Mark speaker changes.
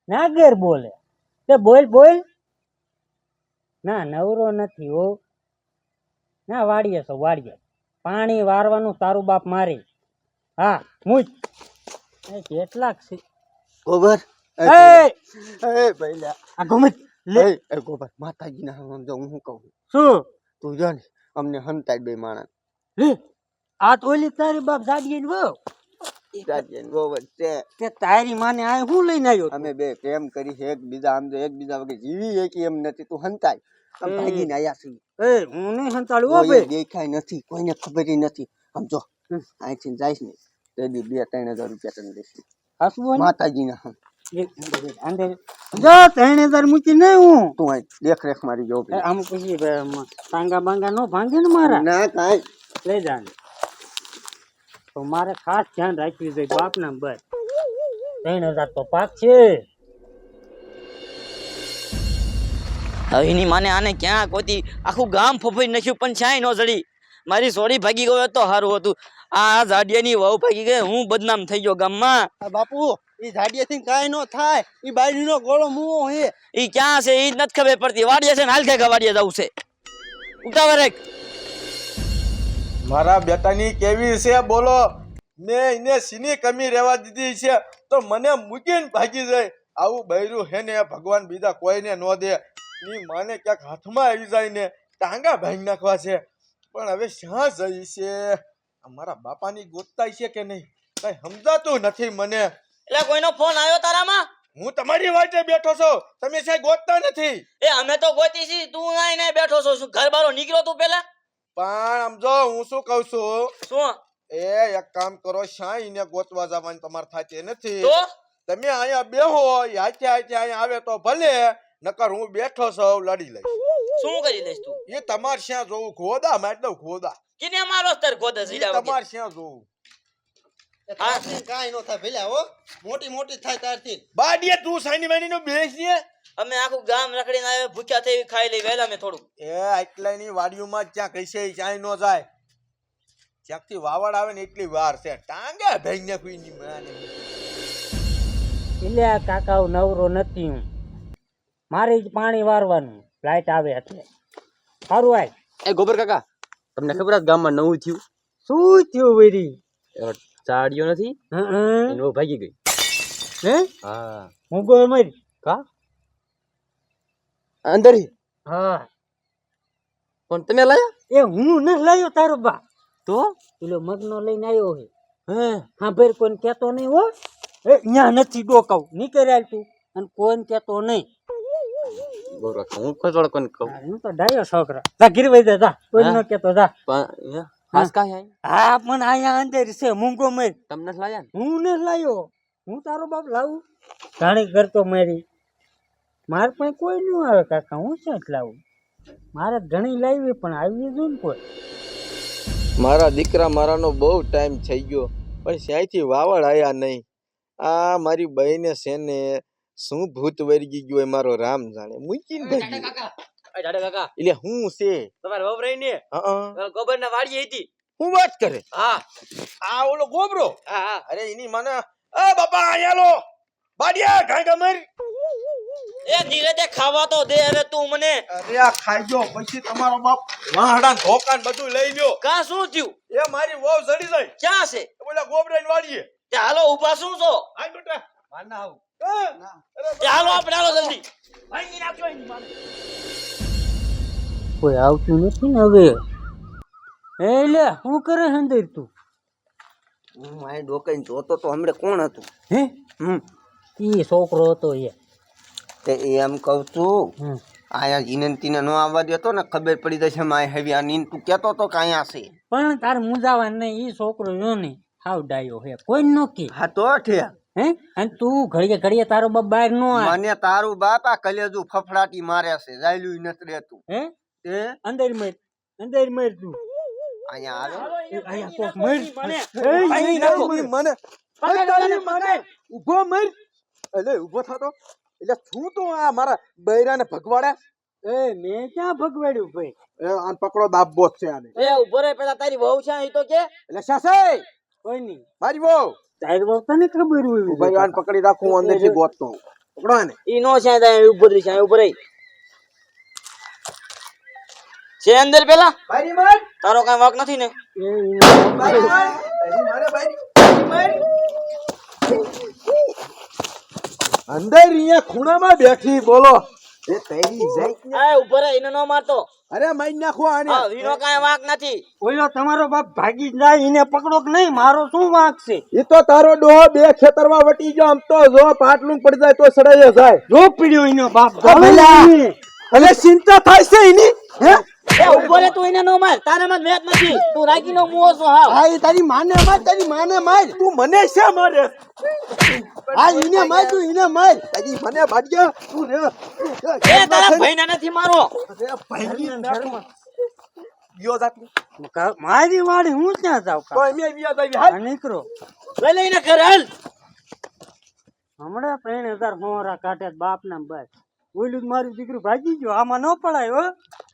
Speaker 1: નાગર બોલે તે બોલ બોલ. ના નવરો નથી હો. ના વાડીએ છો વાડીએ. પાણી વારવાનું તારું બાપ મારી. હા મુજ કેટલાક છે
Speaker 2: ગોબર
Speaker 1: એ
Speaker 2: એ ભઈલા
Speaker 1: આ ગમત લે
Speaker 2: એ ગોબર માતાજીના સમજો હું શું કહું
Speaker 1: શું
Speaker 2: તું જો ને અમને હંતાય બે માણસ
Speaker 1: લે આ તો ઓલી તારી બાપ જાડીએ વો
Speaker 2: જાજે ગોબર છે
Speaker 1: તે તારી માને આ હું લઈને આવ્યો
Speaker 2: અમે બે પ્રેમ કરી છે એકબીજા આમ તો એકબીજા વગર જીવી એકી એમ નથી તું હંતાય આમ ભાગીને આયા છીએ
Speaker 1: એ હું નહીં સંતાડું હો
Speaker 2: કોઈ
Speaker 1: ભાઈ
Speaker 2: દેખાય નથી કોઈને ખબર નથી સમજો અહીંથી જઈશ ને તે દી 2-3 હજાર રૂપિયા તને દઈશ
Speaker 1: હસવું
Speaker 2: માતાજીના હમ
Speaker 1: અંદર જો 3000 મૂકી નહીં હું
Speaker 2: તું અહીં દેખ મારી જો
Speaker 1: આમ પછી પાંગા બાંગા નો ભાંગે ને મારા
Speaker 2: ના કાંઈ
Speaker 1: લઈ જા તો મારે ખાસ ધ્યાન રાખવું જોઈએ બાપના બસ 3000 તો પાક છે
Speaker 3: હવે એની માને આને ક્યાં ગોતી આખું ગામ ફફઈ નાખ્યું પણ છાંય નો જડી મારી સોડી ભાગી ગયો તો સારું હતું આ જાડિયાની વહુ ભાગી ગઈ હું બદનામ થઈ ગયો ગામમાં
Speaker 2: બાપુ ઈ ઝાડિયાથી કાંઈ નો થાય ઈ બાયડીનો ગોળો મુવો હે
Speaker 3: ઈ ક્યાં છે ઈ નથી ખબર પડતી વાડીએ છે ને હાલ કે વાડીએ જવું છે ઉતાવળ રાખ
Speaker 4: મારા બેટાની કેવી છે બોલો મેં એને સીની કમી રહેવા દીધી છે તો મને મૂકીને ભાગી જાય આવું બૈરું હે ને ભગવાન બીજા કોઈને ન દે ની માને ક્યાંક હાથમાં આવી જાય ને ટાંગા ભાંગી નાખવા છે પણ હવે શ્યાં જઈ છે અમારા બાપાની ગોતતાય છે કે નહીં કઈ સમજાતું નથી મને
Speaker 3: એટલે કોઈનો ફોન આવ્યો તારામાં
Speaker 4: હું તમારી વાટે બેઠો છું તમે સાહેબ ગોતતા નથી
Speaker 3: એ અમે તો ગોતી છી તું આઈને બેઠો છો શું ઘર બારો નીકળ્યો તું પેલા
Speaker 4: પણ સમજો હું શું કહું છું
Speaker 3: શું
Speaker 4: એ એક કામ કરો શાહીને ગોતવા જવાની તમારે થતી નથી
Speaker 3: તો
Speaker 4: તમે અહીંયા બેહો હાથે હાથે અહીંયા આવે તો ભલે નકર હું બેઠો છું લડી લઈશ
Speaker 3: શું કરી લઈશ તું
Speaker 4: એ તમારે શ્યાં જોવું ખોદા મારી દઉં ખોદા
Speaker 3: કિને મારો તર ગોદે
Speaker 4: એ
Speaker 3: સીડા વગર
Speaker 4: તમારે શ્યાં જોવું
Speaker 2: કાંઈ નો થાય ભઈલા હો મોટી મોટી થાય તારથી
Speaker 4: બાડીએ તું સાઈની વાઈની નો બેસ ને
Speaker 3: અમે આખું ગામ રખડીને આવે ભૂખ્યા થઈ ખાઈ લઈ વહેલા મેં થોડું
Speaker 4: એ આટલાની વાડીઓમાં જ્યાં કહીશે ચાય નો જાય જ્યાંથી વાવડ આવે ને એટલી વાર છે ટાંગા ભાઈ ને કોઈ માને
Speaker 1: એટલે આ કાકાઓ નવરો નથી હું મારે જ પાણી વારવાનું લાઈટ આવે એટલે સારું આય
Speaker 5: એ ગોબર કાકા તમને ખબર છે ગામમાં નવું થયું
Speaker 1: શું થયું વેરી
Speaker 5: ચાડિયો નથી
Speaker 1: હં
Speaker 5: એનો ભાગી ગઈ
Speaker 1: હે
Speaker 5: હા
Speaker 1: હું ગયો મરી
Speaker 5: કા અંદર
Speaker 1: હા
Speaker 5: પણ તમે લાયા
Speaker 1: એ હું ન લાયો તારો બા
Speaker 5: તો
Speaker 1: પેલો મગનો લઈને આવ્યો હે
Speaker 5: હે
Speaker 1: હા ભાઈ કોઈને કહેતો નહીં હો એ અહીંયા નથી ડોકાવ નીકળ્યા તું અને કોઈને કહેતો નહીં
Speaker 5: ગોબર કાકા હું ખોજવાળ કોને કહું
Speaker 1: હું તો ડાયો છોકરા જા ગીરવાઈ જા જા કોઈ ન કહેતો જા
Speaker 5: પણ ખાસ કાંઈ આઈ
Speaker 1: હા પણ અહીંયા અંદર છે મૂંગો મર
Speaker 5: તમને જ લાયા ને
Speaker 1: હું ન લાયો હું તારો બાપ લાવું ઘણી કરતો મારી મારે પણ કોઈ ન આવે કાકા હું ક્યાં લાવું મારે ઘણી લાવી પણ આવી જ ને કોઈ
Speaker 4: મારા દીકરા મારાનો બહુ ટાઈમ થઈ ગયો પણ ત્યાંથી વાવડ આયા નહીં આ મારી બહેને છે ને શું ભૂત વર્ગી ગયો એ મારો રામ જાણે મૂકીને ભાગી
Speaker 3: કાકા
Speaker 4: એટલે હું છે
Speaker 3: તમારે વહુ રહી ને
Speaker 4: હા
Speaker 3: ગોબર ના વાડીએ હતી
Speaker 4: હું વાત કરે
Speaker 3: હા
Speaker 4: આ ઓલો ગોબરો
Speaker 3: હા હા
Speaker 4: અરે એની મને એ બાપા અહીંયા લો બાડિયા ઘાંગા મારી
Speaker 3: એ ધીરે દે ખાવા તો દે હવે તું મને
Speaker 4: અરે આ ખાઈ ગયો પછી તમારો બાપ વાહડા ધોકાન બધું લઈ લ્યો
Speaker 3: કા શું થયું
Speaker 4: એ મારી વહુ જડી જાય
Speaker 3: ક્યાં છે
Speaker 4: ઓલા ગોબરાને વાડીએ
Speaker 3: તે હાલો ઊભા શું છો
Speaker 4: હાલ બેટા
Speaker 2: માર ના આવું
Speaker 3: તે હાલો આપણે હાલો જલ્દી
Speaker 1: કોઈ આવતું નથી ને હવે એ લે શું કરે અંદર તું
Speaker 2: હું આ ડોકાઈને જોતો તો હમણે કોણ હતું
Speaker 1: હે ઈ છોકરો હતો એ
Speaker 2: તે એમ કહું છું
Speaker 1: હમ
Speaker 2: આયા જીનંતીને નો આવવા દેતો ને ખબર પડી જશે માય હેવી આ નીન તું કહેતો તો કે અહીંયા છે
Speaker 1: પણ તાર મુંજાવા નહીં ઈ છોકરો જો ને હાવ ડાયો હે કોઈ ન કે
Speaker 2: હા તો ઠે
Speaker 1: હે અને તું ઘડીએ ઘડીએ તારો બાપ બહાર નો આવે
Speaker 2: મને તારું બાપ આ કલેજુ ફફડાટી મારે છે જાયલું નથી રહેતું
Speaker 1: હે
Speaker 2: તે
Speaker 1: અંદર મર તું
Speaker 2: અહીંયા આવે
Speaker 1: અહીંયા કોક મર
Speaker 4: મને ઉભો મર એટલે ઉભો થતો એટલે શું તો આ મારા બૈરાને ભગવાડે
Speaker 1: એ મેં ક્યાં ભગવાડ્યું ભાઈ
Speaker 4: આને પકડો દાબો છે આને
Speaker 3: એ ઉભો રે પેલા તારી વહુ છે એ તો કે
Speaker 4: એટલે સાસે
Speaker 1: કોઈ નહીં
Speaker 4: મારી વહુ
Speaker 1: તારી બાપ તને ખબર હોય
Speaker 4: ભાઈ આને પકડી રાખું અંદરથી ગોતતો પકડો આને.
Speaker 3: ઈ નો છે ત્યાં ઉભો રહી છે ઉપર રહી છે અંદર પેલા
Speaker 4: બારી માર,
Speaker 3: તારો કઈ વાંક નથી ને
Speaker 4: બારી માર. બારી મારે, બારી. અંદર અહીંયા ખૂણામાં બેઠી બોલો એ તૈરી જાય કે?
Speaker 3: આ ઉપર રહી એને નો મારતો
Speaker 4: અરે મારી નાખો આને.
Speaker 3: હા વીનો કઈ વાંક નથી
Speaker 1: ઓલો તમારો બાપ ભાગી જાય એને પકડો કે નહીં, મારો શું વાંક છે?
Speaker 4: એ તો તારો ડોહો બે ખેતરમાં વટી ગયો, આમ તો જો પાટલું પડી જાય તો સડાઈ જાય.
Speaker 1: જો પીડ્યો એનો બાપ
Speaker 4: અને ચિંતા થાય છે એની હે?
Speaker 3: એ ઉભો રે તું એને નો માર તારામાં વેત નથી તું રાગી નો મુઓ છો હા
Speaker 2: આ તારી માને માર, તારી માને માર.
Speaker 4: તું મને છે મારે?
Speaker 2: આ ઈને માર, તું ઈને માર.
Speaker 4: તારી મને ભાગ્યા તું રે.
Speaker 3: એ તારા ભાઈને નથી મારો
Speaker 4: અરે ભાઈની નાખમાં. ગયો જાતની.
Speaker 1: મારી વાડી હું ક્યાં જાઉં
Speaker 4: તો એમે વ્યાજ આવી હાલ.
Speaker 1: નીકળો
Speaker 3: લઈ લઈને ઘર હાલ
Speaker 1: હમણાં 3000 મોહરા કાઢે બાપ ના બસ ઓલું જ મારું દીકરું ભાગી ગયો, આમાં ન પડાય હો.